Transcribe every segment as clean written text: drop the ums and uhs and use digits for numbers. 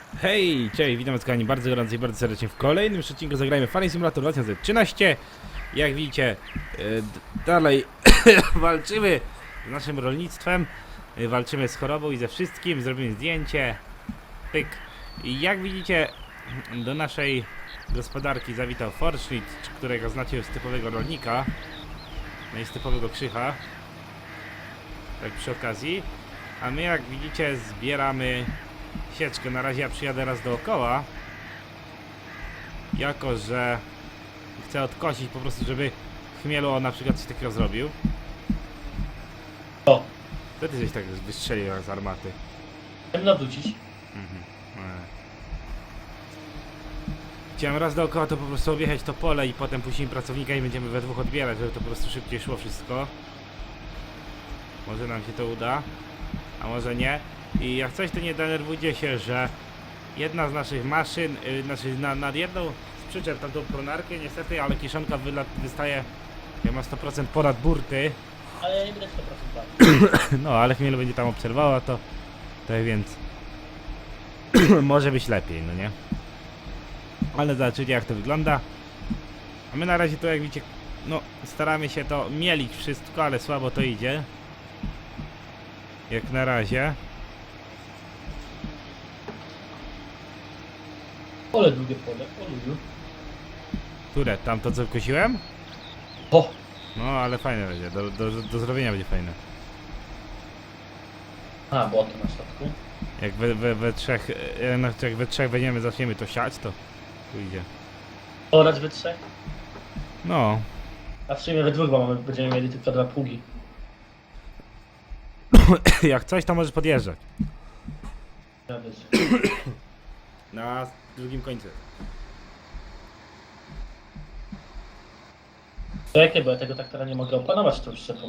Hej, cześć, witam was kochani bardzo gorąco i bardzo serdecznie w kolejnym odcinku zagrajmy Farming Simulator 2013. Jak widzicie, dalej walczymy z naszym rolnictwem, walczymy z chorobą i ze wszystkim, zrobimy zdjęcie, pyk. I jak widzicie, do naszej gospodarki zawitał Forschnitt, którego znacie z typowego rolnika, no i z typowego krzycha, tak przy okazji. A my, jak widzicie, zbieramy sieczkę. Na razie ja przyjadę raz dookoła, jako że chcę odkosić po prostu, żeby Chmielu on na przykład coś takiego zrobił. O, To ty coś tak wystrzelił z armaty. chciałem nawrócić. Chciałem raz dookoła to po prostu objechać to pole i potem puścimy pracownika i będziemy we dwóch odbierać, żeby to po prostu szybciej szło wszystko. Może nam się to uda, a może nie. I jak coś, to nie denerwujcie się, że jedna z naszych maszyn, nad jedną z przyczep tamtą pronarkę niestety, ale kiszonka wystaje, jak ma 100% ponad burty. Ale ja nie będę 100% tak. No, ale Chmielu będzie tam obserwowała to, tak więc może być lepiej, no nie? Ale zobaczycie, jak to wygląda. A my na razie to, jak widzicie, no staramy się to mielić wszystko, ale słabo to idzie. Jak na razie. Pole długie pole, o lubiu. Które? Tam to co kosiłem? O, No, ale fajne będzie, do zrobienia będzie fajne. a, błoto na środku. Jak we trzech będziemy, zaczniemy to siać, to pójdzie. Orać we trzech. No, A w sumie we dwóch, bo będziemy mieli tylko dwa pługi. jak coś, to możesz podjeżdżać. Ja być. Na drugim końcu. To jakie, bo ja tego traktora nie mogę opanować tą szczepą.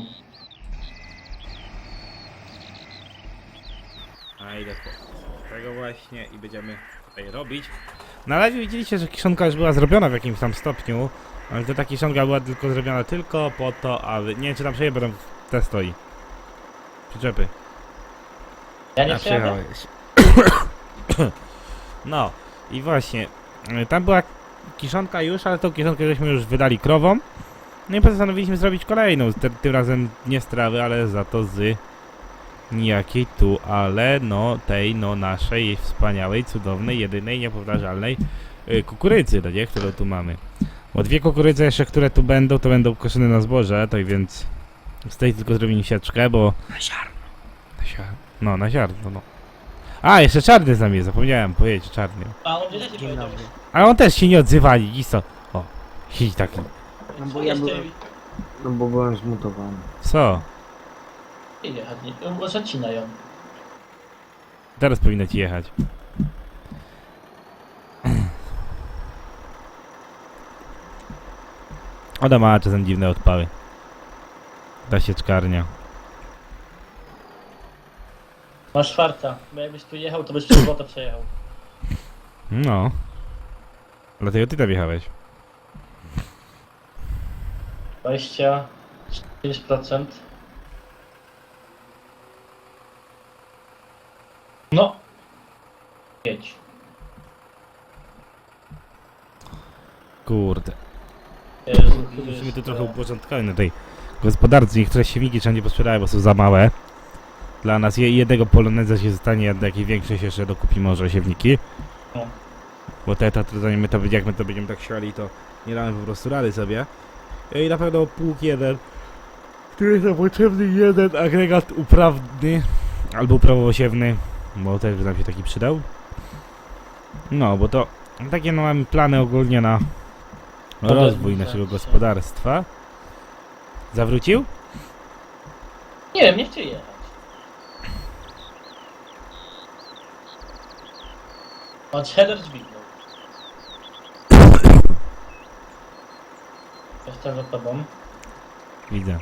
A idę po tego właśnie i będziemy tutaj robić. Na razie widzieliście, że kiszonka już była zrobiona w jakimś tam stopniu, ale to ta kiszonka była tylko zrobiona tylko po to, aby... Nie wiem, czy tam przejeżdżą, będą te stoi. Przyczepy. Ja nie A, przyjadę? przyjechałeś. No i właśnie, tam była kiszonka już, ale tą kiszonkę żeśmy już wydali krowom. No i postanowiliśmy zrobić kolejną, tym razem nie z trawy, ale za to z nijakiej tu, ale no tej no naszej wspaniałej, cudownej, jedynej, niepowtarzalnej kukurydzy, no nie, którą tu mamy. Bo dwie kukurydze jeszcze, które tu będą, to będą koszone na zboże, tak więc z tej tylko zrobimy sieczkę, bo... Na ziarno. No, na ziarno, no. A, jeszcze czarny z nami jest, zapomniałem powiedzieć, czarny. A on źle się powiedział. Ale on też się nie odzywali, isto. O, siedzi taki. No bo ja byłem, no bo byłem zmutowany. Co? Nie jechać, nie. Zacina ją. Teraz powinno ci jechać. Ona ma czasem dziwne odpały. Ta sieczkarnia. Masz czwarta, bo jakbyś tu jechał, to byś przez błoto przejechał. No. Dlatego ty tam jechałeś. 25%. No. Jedź. Kurde. Jezu, Musimy tu trochę uporządkować na tej gospodarce. Niektóre siewniki trzeba nie posprzedawać, bo są za małe. Dla nas jednego poloneza się zostanie, a jakiej większej się jeszcze dokupi może siewniki. No. Bo zanim my to, jak my to będziemy tak siali, to nie damy po prostu rady sobie. I na pewno pług jeden, który jest nam potrzebny, jeden agregat uprawny albo uprawowo-siewny, bo też by nam się taki przydał. No, bo to takie no, mamy plany ogólnie na rozwój naszego gospodarstwa. Zawrócił? Nie wiem, nie chcę jechać. On header dźwignął. Jestem za tobą. Widzę.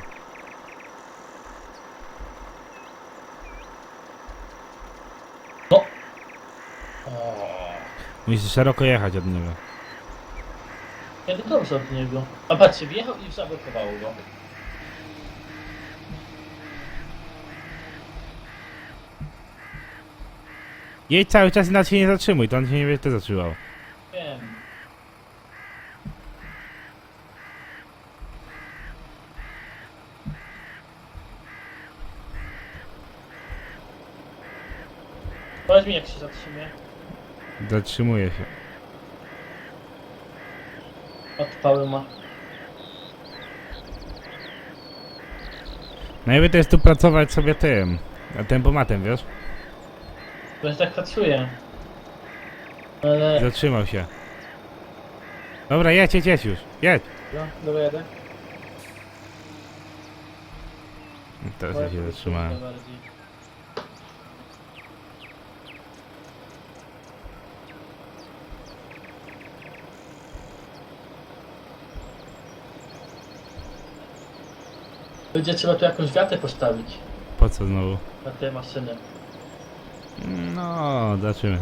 No. O, Musisz szeroko jechać od niego. ja dobrze od niego. A patrzcie, wjechał i zablokowało go. Jedź cały czas i nawet się nie zatrzymuj, to on się nie będzie zatrzymał. Wiem. Powiedz mi, jak się zatrzymie. Zatrzymuje się. Odpały ma. Najlepiej to jest tu pracować sobie tym, tempomatem, wiesz? Bo ja tak pracuję. Ale... Zatrzymał się. Dobra, jedź już. Jedź. No, dobra, jadę. Teraz ja się zatrzymałem. Bardziej. Będzie trzeba tu jakąś wiatę postawić Po co znowu? na te maszyny. No, zobaczymy.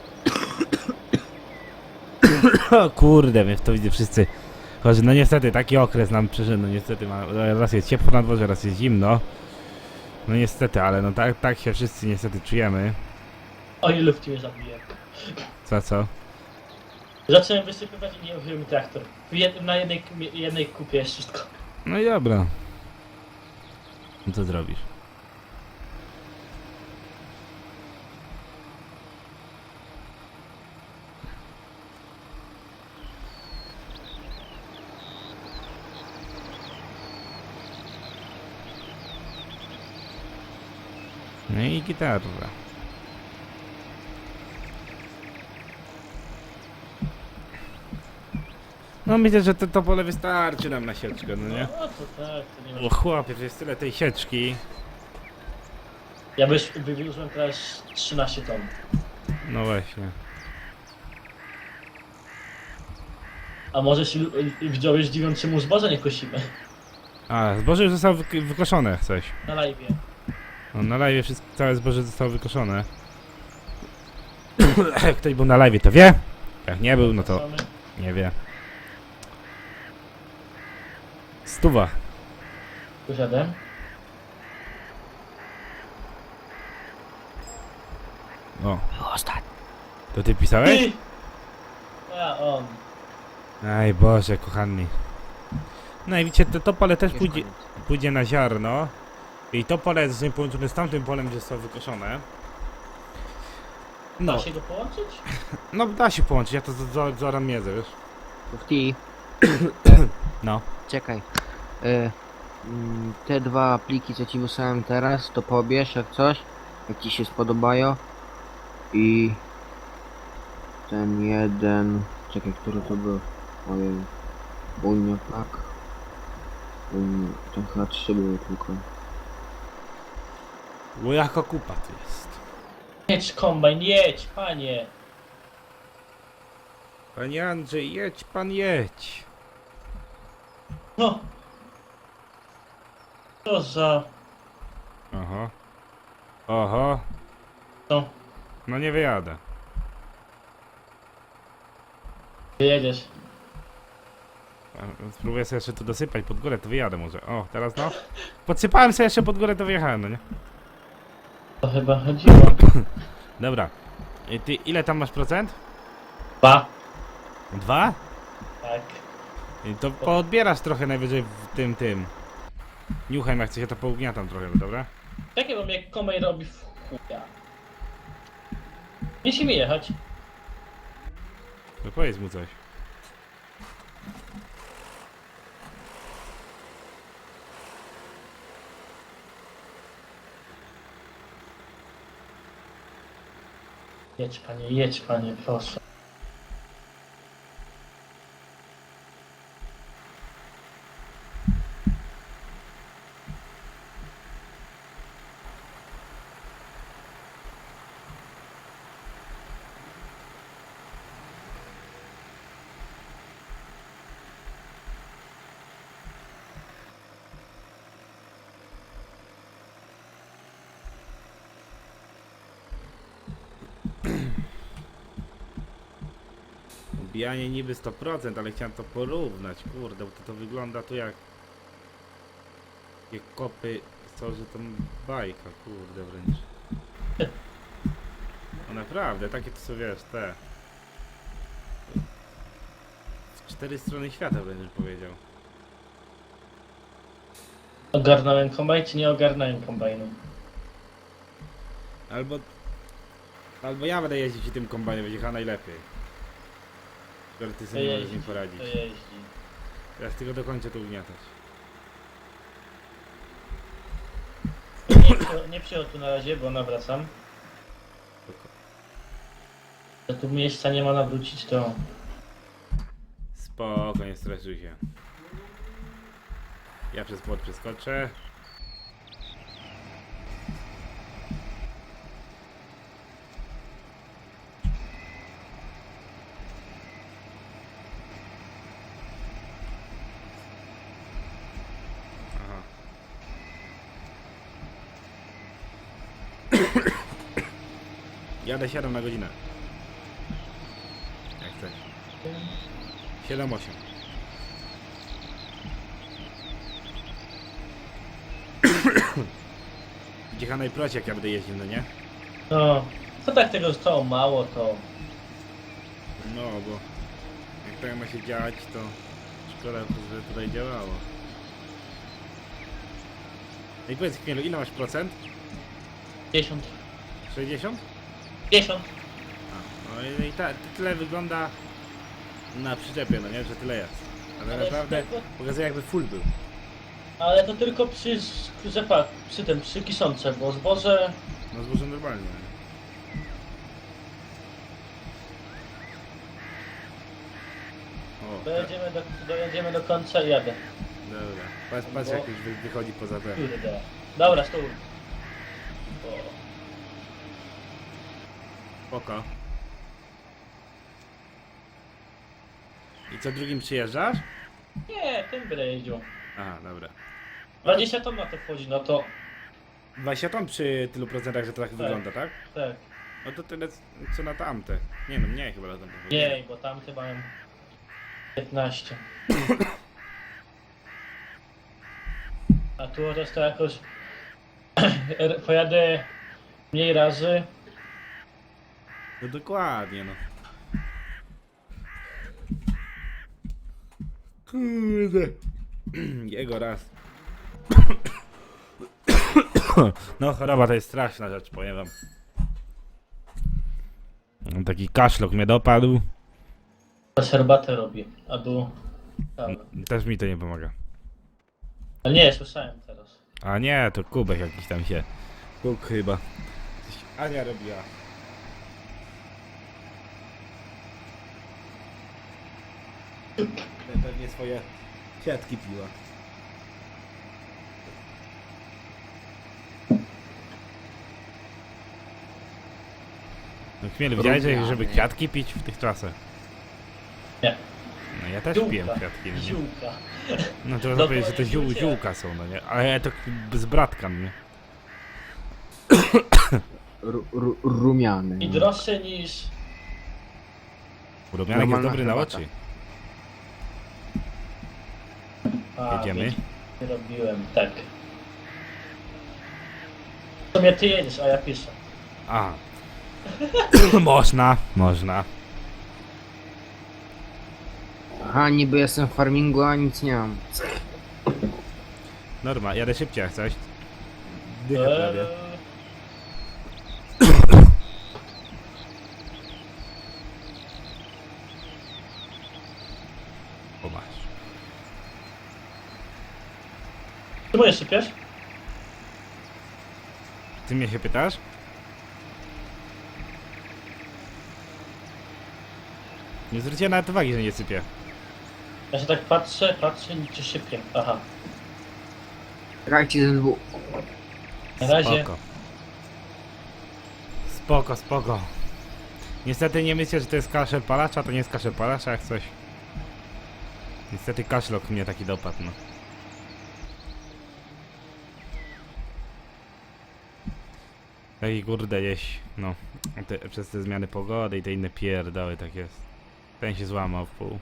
O kurde, my w to widzę wszyscy. Choć no niestety, taki okres nam przyszedł, no niestety, raz jest ciepło na dworze, raz jest zimno. No niestety, ale no tak się wszyscy niestety czujemy. O ile w ciebie zabiję. Co? Zacząłem wysypywać i nie użył mi traktor. Na jednej kupie jest wszystko. No i dobra. No co zrobisz? No i gitarra. No myślę, że to pole wystarczy nam na sieczkę, no nie? No to tak, to nie ma. O chłopie, to jest tyle tej sieczki. Ja wywiózłem teraz 13 ton. No właśnie. A może się widzowie zdziwią, czemu zboża nie kosimy. A, zboże już zostało wykoszone, coś. Na live. No, na live wszystko, całe zboże zostało wykoszone. Jak ktoś był na live, to wie. Jak nie był, no to nie wie. 100. Posiadam. O. To ty pisałeś? Ty! A on. Aj Boże, kochani. No i widzicie, to pole też pójdzie na ziarno. I to pole jest połączone z tamtym polem, gdzie zostało wykoszone. Da No, się go połączyć? no da się połączyć, ja to zoram miedzę, wiesz? Mufti, No. czekaj. Te dwa pliki, co ci wysłałem teraz, to pobierz jak coś, jak ci się spodobają. I ten jeden, czekaj, który to był? Ojej, Unia Pak. Ten chyba 3 były tylko. Bo jaka kupa tu jest. Jedź kombajn, jedź, panie. Panie Andrzej, jedź pan, jedź. No. Co za... Oho. Oho. No. No nie wyjadę. Jedziesz. Spróbuję sobie jeszcze tu dosypać pod górę, to wyjadę może. O, teraz no. Podsypałem sobie jeszcze pod górę, to wyjechałem, no nie? To chyba chodziło. Dobra. I ty ile tam masz procent? 2. 2? Tak. I to poodbierasz trochę najwyżej w tym. Niuchem, jak chcę się to pougniatam trochę, no dobra? Czekaj, bo mnie kombajn robi w chuja. Musimy jechać. No powiedz mu coś. Jedź panie, proszę. Odbijanie niby 100%, ale chciałem to porównać, kurde, bo to wygląda tu jak kopy są, że to bajka, kurde wręcz. No naprawdę, takie to są, wiesz, te... W 4 strony świata będziesz powiedział. Ogarnąłem kombajn, czy nie ogarnąłem kombajnu? Albo ja będę jeździć i tym kombajnem, będzie chyba najlepiej. Skoro ty sobie nie możesz z nim poradzić. To jeździ. Teraz tylko dokończę to ugniatać. Nie przyjął tu na razie, bo nawracam. Spoko. że tu miejsca nie ma nawrócić, to... Spoko, nie stresuj się. Ja przez płot przeskoczę. Aha. Jadę 7 na godzinę. Jak chcesz. 7-8. Gdzie najprościej jak ja będę jeździł, no nie? No, to tak tego zostało mało, to... No, bo jak tak ma się dziać, to szkoda, że tutaj działało. No i powiedz Chmielu, ile masz procent? 50. 60? 50. A, no i tyle wygląda na przyczepie, no nie? Że tyle jest. Ale Ale naprawdę z tego- pokazuje jakby full był. Ale to tylko przy kiszące, bo zboże... No zboże normalnie. O, tak. Dojedziemy do końca i jadę. Dobra. Patrz jak już wychodzi poza ten. Kurde. Dobra, stół. O. Spoko. I co, drugim przyjeżdżasz? Nie, tym będę jeździł. Aha, dobra. 20 ton na to wchodzi, no to... 20 ton przy tylu procentach, że to tak wygląda, tak? Tak. No to tyle co na tamte. Nie no, mniej chyba na tamte. Nie, bo tamte mają 15. A tu chociaż to jakoś pojadę mniej razy. No dokładnie, no. Kurde. Jego raz. No choroba to jest straszna rzecz, powiem wam. Taki kaszlok mnie dopadł. Teraz herbatę robię, a tu... Tam. Też mi to nie pomaga. Ale nie, słyszałem teraz. A nie, to kubek jakiś tam się. Kuk chyba. Coś Ania robiła. Pewnie swoje kwiatki piła. No Chmielu, widziałeś, żeby kwiatki pić w tych czasach? Nie. No ja też Ziółka. piłem kwiatki, no nie? Ziółka. No to można No powiedzieć, że to to ziółcie. ziółka są, no nie? Ale to z bratkan, nie? Rumiany. I droższe niż... Rumianek jest Normalna dobry na herbata. oczy. A, Jedziemy? wiecie, nie robiłem, tak. W sumie ty jedziesz, a ja piszę. A. Można. Aha, niby jestem w farmingu, a nic nie mam. Norma, jadę szybciej jak coś. Dycha prawie. O masz. Ty moje sypiesz? Ty mnie się pytasz? Nie zwróciłem nawet uwagi, że nie sypię. Ja się tak patrzę, nic się sypie. Aha. Grajcie ze dwóch. Na razie. Spoko. Niestety nie myślę, że to jest kaszel palacza, to nie jest kaszel palacza jak coś. Niestety kaszlok mnie taki dopadł, no. Taki kurde gdzieś, no. Przez te zmiany pogody i te inne pierdoły, tak jest. Ten się złamał w pół.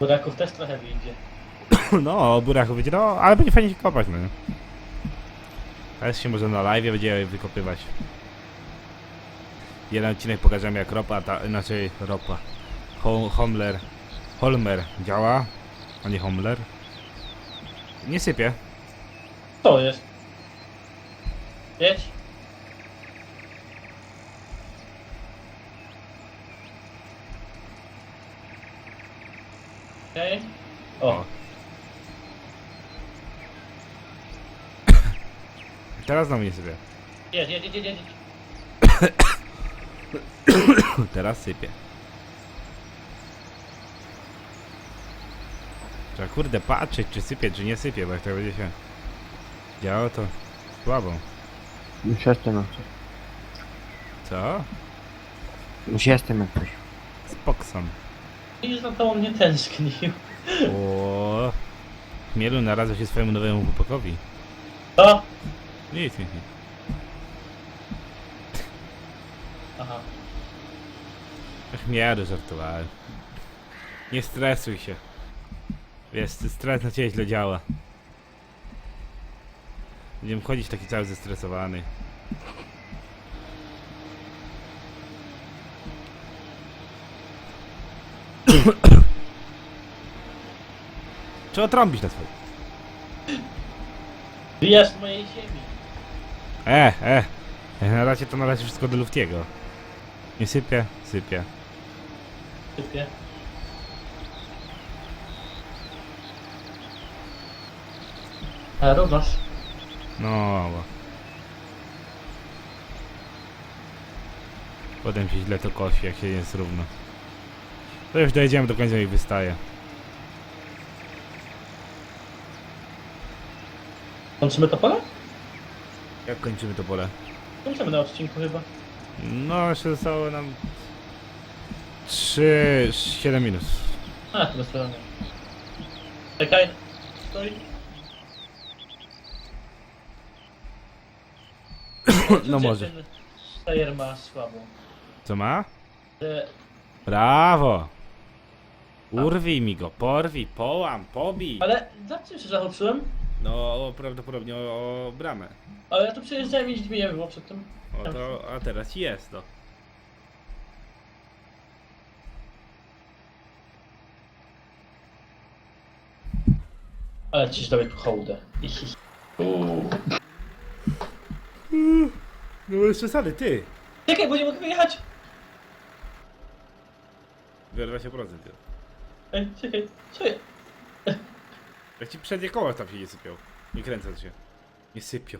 Buraków też trochę wyjdzie. No, o burachu będzie, no, ale będzie fajnie się kopać, no nie? Teraz się może na live będzie wykopywać. Jeden odcinek pokażemy jak ropa, inaczej ropa. Holmer działa, a nie Homler. Nie sypie. To jest. Jedź. Okej. O, Teraz znowu nie sypie. jedź, jedź, jedź, jedź, jedź. Teraz sypie. Trzeba kurde patrzeć czy sypie, czy nie sypie, bo jak to będzie się działo to słabo. Już jestem jak coś. Co? Już jestem jak coś. Spokson. I za to on nie tęsknił. O, Chmielu narazł się swojemu nowemu chłopakowi. O! Nic. Aha. Chmielu żartowałem. Nie stresuj się. Wiesz, stres na ciebie źle działa. Będziemy chodzić taki cały zestresowany. Trzeba trąbić na swoje. Wyjazd mojej ziemi. Na razie to należy wszystko do Luftiego. Nie sypie, sypie. Typie. A robasz? No. Potem się źle to kosi, jak się jest równo. To już dojedziemy do końca i wystaje. Kończymy to pole? Jak kończymy to pole? Kończymy na odcinku chyba. No, jeszcze zostało nam 7 minut. A, to bez problemu. Czekaj. Stoi. No może. Ten Stajer ma słabo. Co ma? Że Brawo! Urwij mi go, porwij, połam, pobij. Ale za czym się zahaczyłem? No, prawdopodobnie o bramę. Ale ja tu przejeżdżałem i dźwignię było przed tym. O to, a teraz jest to. Ale ci dałeś tu hołdę. No bez przesady, ty. Czekaj, bo nie mogę wyjechać! Biorę 20%. Ej, czekaj, co ja? Jak ci przednie koła tam się nie sypią. Nie kręcą się. Nie sypią.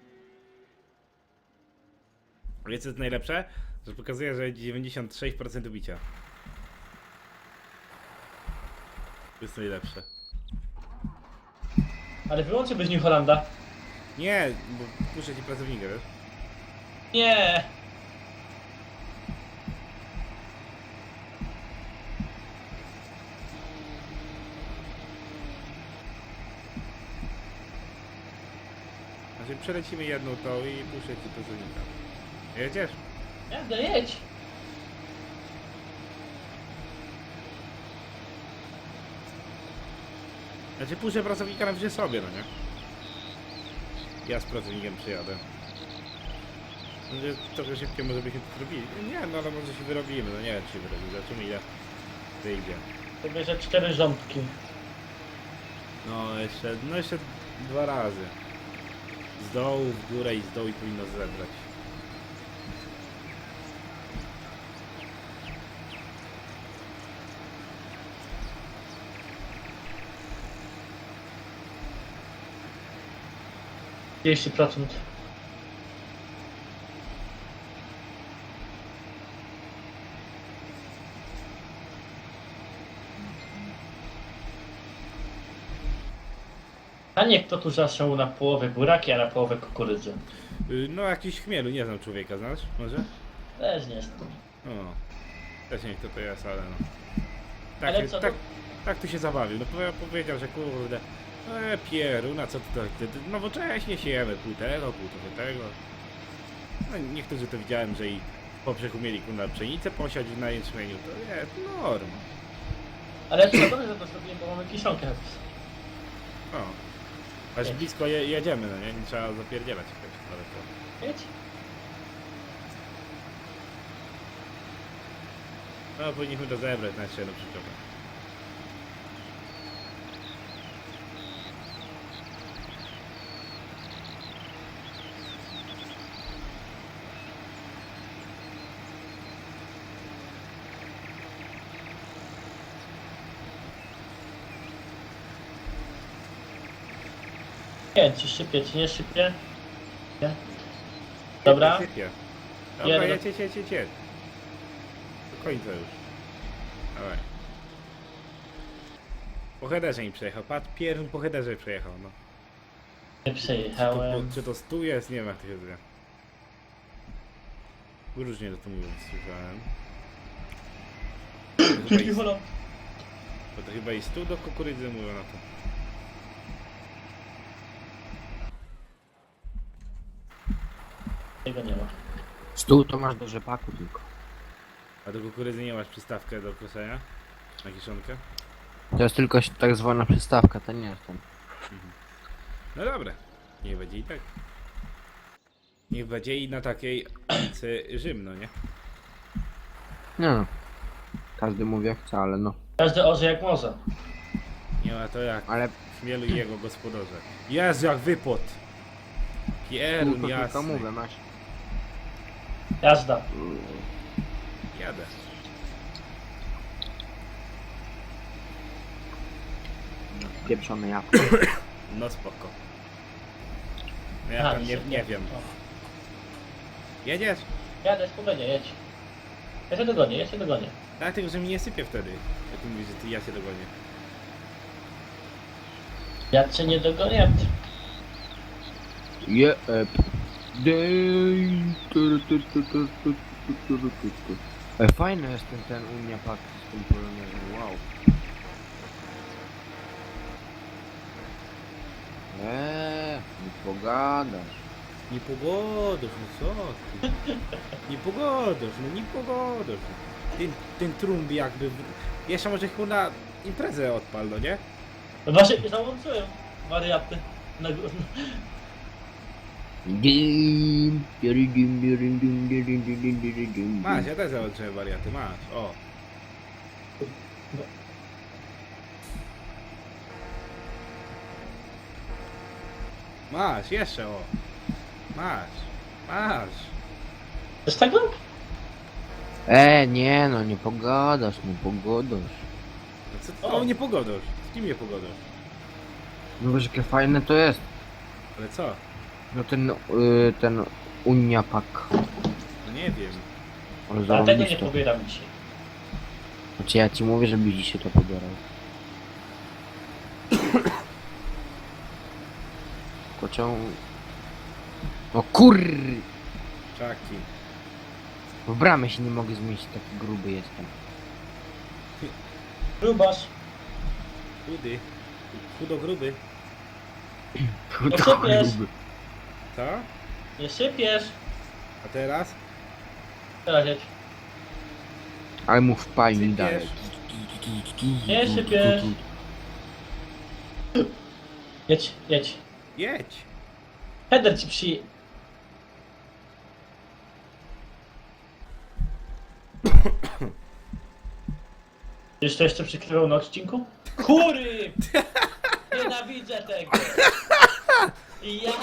Wiecie co jest najlepsze? Że pokazuje, że 96% ubicia. To jest najlepsze. Ale wyłączę bez New Hollanda. Nie, bo puszczę ci pracownika, wiesz? Nie! Znaczy przelecimy jedną tą i puszczę ci pracownika. Jedziesz? Jadę, jedź! Znaczy puszczę pracownika na sobie, no nie? Ja z pracownikiem przyjadę. Będzie trochę szybciej może byśmy to zrobili. Nie, no ale może się wyrobimy, no nie wiem czy się wyrobimy, zobaczymy ile wyjdzie. To bierze 4 rządki. No jeszcze 2 razy. Z dołu w górę i z dołu i powinno zebrać. %. A nie kto tu zasiął na połowę buraki, a na połowę kukurydzy. No jakiś chmielu, nie znam człowieka, znasz? Może? Też nie znam. No. Też nie wiem kto to jest, ale no. Ale co, Tak tu się zabawił. No powiedział, że kurde. Pieruna, co ty nowocześnie siejemy, pół tego, pół tego. No niektórzy to widziałem, że i w poprzek umieli kurna pszenicę posiać na jęczmieniu, to jest norma. Ale trzeba dobrze, że to zrobiłem, bo mamy kiszonkę. O. Aż blisko jedziemy, no nie? Nie trzeba zapierdzielać jakoś daleko. Jedź. No, powinniśmy to zebrać na jeszcze jedną przyczepę. Nie, ci szybie, ci nie szybie. Nie? Dobra. Sypie. Dobra, Jadę. jedź. Do końca już. Dawaj. Po headerze mi przejechał. Patrz, pierwszy po headerze przejechał, no. Nie przejechałem. Czy to stół jest? Nie wiem jak to się zwie. Różnie to mówią, słyszałem. Drugi holą. Bo to chyba i stół do kukurydzy mówią na to. Tego nie ma. Stół to masz do rzepaku tylko. A do kukurydzy nie masz przystawkę do koszenia? Na kiszonkę? To jest tylko tak zwana przystawka, to nie jest ten. No dobra. Niech będzie i tak. Niech będzie i na takiej Rzym, no nie? Nie no. Każdy mówi jak chce, ale no. Każdy orze jak może. Nie ma to jak Ale Chmielu i jego gospodarze. Jezu, jak wypot! Pierun tylko jasny. mówię, masz. Jazda. Jadę. Pieprzone jabłko. No spoko. No ja tam nie wiem. O. Jedziesz? Jadę, spokojnie, jedź. Ja się dogonię. Dlatego, że mi nie sypie wtedy. Jak ty mówisz, że ja się dogonię. Ja cię nie dogonię. Je, fajny jest ten Unia Pak z tym polonezem, wow. Nie pogadasz. Nie pogodasz, no co ty? Nie pogodasz. Ten trumb jakby... Jeszcze może chyba na imprezę odpal, no nie? No właśnie, załączyłem wariaty. Na górę. Masz, ja też załączyłem wariaty, masz, o. Masz, jeszcze o. Masz. Z tego? Nie no, nie pogadasz. No co ty O. nie pogodasz? Z kim nie pogodasz? No wiesz jakie fajne to jest. Ale co? No ten Unia Pak. No nie wiem. Ale A tego nie zarobiste. pobieram dzisiaj. Znaczy ja ci mówię, żebyś dzisiaj to pobierał. Pociąg... No kurry! Czaki. W bramę się nie mogę zmieścić, taki gruby jestem. Grubasz. Chudy. Chudo gruby. No sypiesz. Co? Nie sypiesz. A teraz? Teraz jedź. Ale mu wpali Sypiesz. dalej. Nie sypiesz. Jedź. Jedź. Header ci przy... Już to jeszcze przykrywał na odcinku? Kury! Nienawidzę tego! I ja...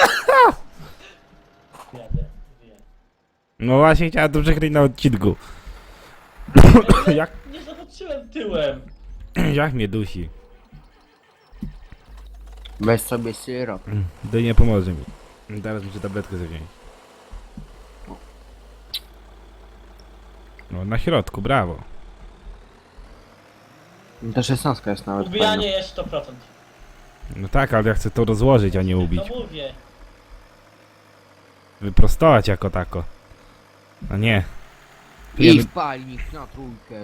Jadę. No właśnie chciałem to przekryć na odcinku. Ale Jak? nie zobaczyłem tyłem. Jak mnie dusi. Weź sobie syrop. To nie pomoże mi. Teraz muszę tabletkę sobie wziąć. No na środku, brawo. Ta 16 jest nawet Ubijanie fajna. jest 100%. No tak, ale ja chcę to rozłożyć, a nie No ubić. mówię. Wyprostować jako tako. No nie. I wpalnik na trójkę.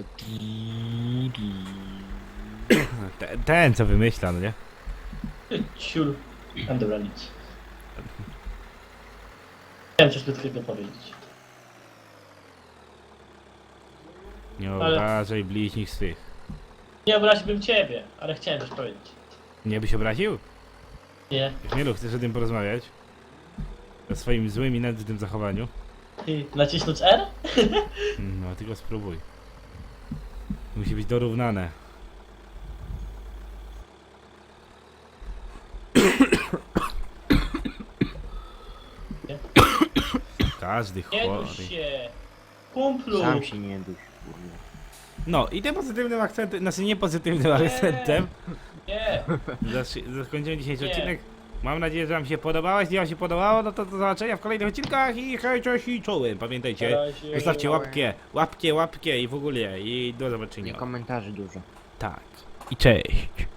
Ten co wymyśla, no nie? Ciul. And the nic. Chciałem coś krótkiego powiedzieć. Nie Ale- obrażaj bliźnich swych. Nie obraziłbym ciebie, ale chciałem coś powiedzieć. Nie byś obraził? Nie. Chmielu, chcesz o tym porozmawiać? O swoim złym i nędznym zachowaniu? Ty, nacisnąć R? No, tylko spróbuj. Musi być dorównane. Nie? Każdy Nie chory. duś się. Kumplu. Sam się nie duś, kurwa. No i tym pozytywnym akcentem, znaczy nie pozytywnym akcentem, Nie. zakończymy dzisiejszy Nie. odcinek. Mam nadzieję, że wam się podobało. Jeśli wam się podobało, no to do zobaczenia w kolejnych odcinkach i hej, cześć i czołem. Pamiętajcie, Na razie. zostawcie łapkę i w ogóle i do Nie zobaczenia. komentarzy dużo. Tak. I cześć.